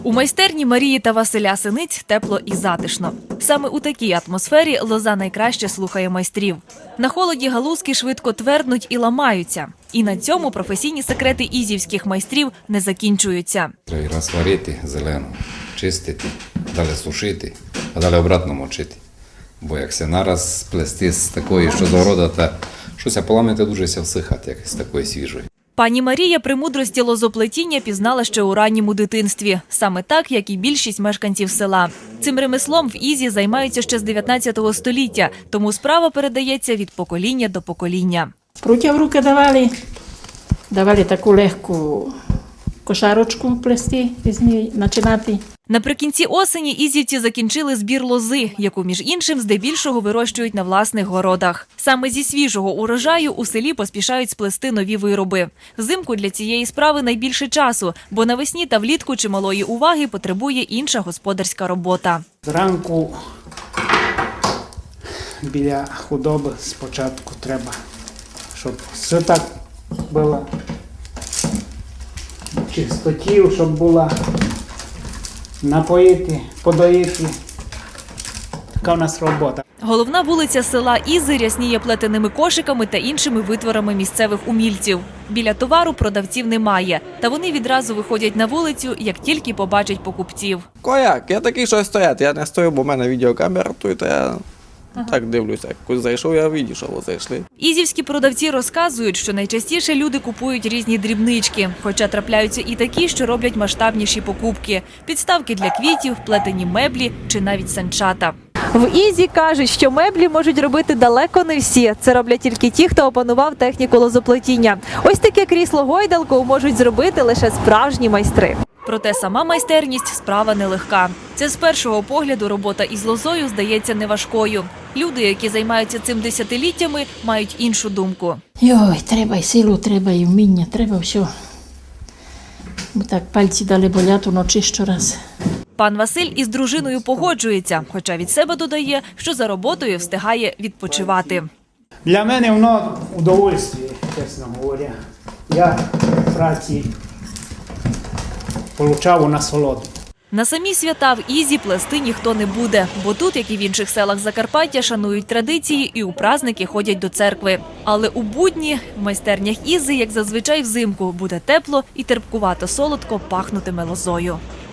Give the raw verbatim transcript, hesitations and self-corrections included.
У майстерні Марії та Василя Синиць тепло і затишно. Саме у такій атмосфері лоза найкраще слухає майстрів. На холоді галузки швидко тверднуть і ламаються. І на цьому професійні секрети ізівських майстрів не закінчуються. Треба раз варити зелену, чистити, далі сушити, а далі обратно мочити. Бо як се нараз плести з такої, що з города, та щось поламати дуже ся всихати, як з такої свіжої. Пані Марія премудрості лозоплетіння пізнала ще у ранньому дитинстві. Саме так, як і більшість мешканців села. Цим ремеслом в Ізі займаються ще з дев'ятнадцятого століття, тому справа передається від покоління до покоління. Пруття в руки давали, давали таку легку кошарочку плести, з неї починати. Наприкінці осені ізівці закінчили збір лози, яку, між іншим, здебільшого вирощують на власних городах. Саме зі свіжого урожаю у селі поспішають сплести нові вироби. Взимку для цієї справи найбільше часу, бо навесні та влітку чималої уваги потребує інша господарська робота. Зранку біля худоби спочатку треба, щоб все так було чистотів, щоб була. Напоїти, подоїти. Така у нас робота. Головна вулиця села Ізи рясніє плетеними кошиками та іншими витворами місцевих умільців. Біля товару продавців немає, та вони відразу виходять на вулицю, як тільки побачать покупців. Кояк, я такий, що стоять. Я не стою, бо в мене відеокамера, то я ага. так дивлюся. Коли зайшов, я бачу, що ви зайшли. Ізівські продавці розказують, що найчастіше люди купують різні дрібнички, хоча трапляються і такі, що роблять масштабніші покупки – підставки для квітів, плетені меблі чи навіть санчата. В Ізі кажуть, що меблі можуть робити далеко не всі. Це роблять тільки ті, хто опанував техніку лозоплетіння. Ось таке крісло-гойдалку можуть зробити лише справжні майстри. Проте сама майстерність – справа нелегка. Це з першого погляду робота із лозою здається неважкою. Люди, які займаються цим десятиліттями, мають іншу думку. Йой, треба і силу, треба і вміння, треба все. Бо так пальці дали болять уночі щораз. Пан Василь із дружиною погоджується, хоча від себе додає, що за роботою встигає відпочивати. Для мене воно удовольствие, чесно говоря. Я в праці отримав насолоду. На самі свята в Ізі плести ніхто не буде, бо тут, як і в інших селах Закарпаття, шанують традиції і у праздники ходять до церкви. Але у будні в майстернях Ізи, як зазвичай взимку, буде тепло і терпкувато солодко пахнутиме лозою.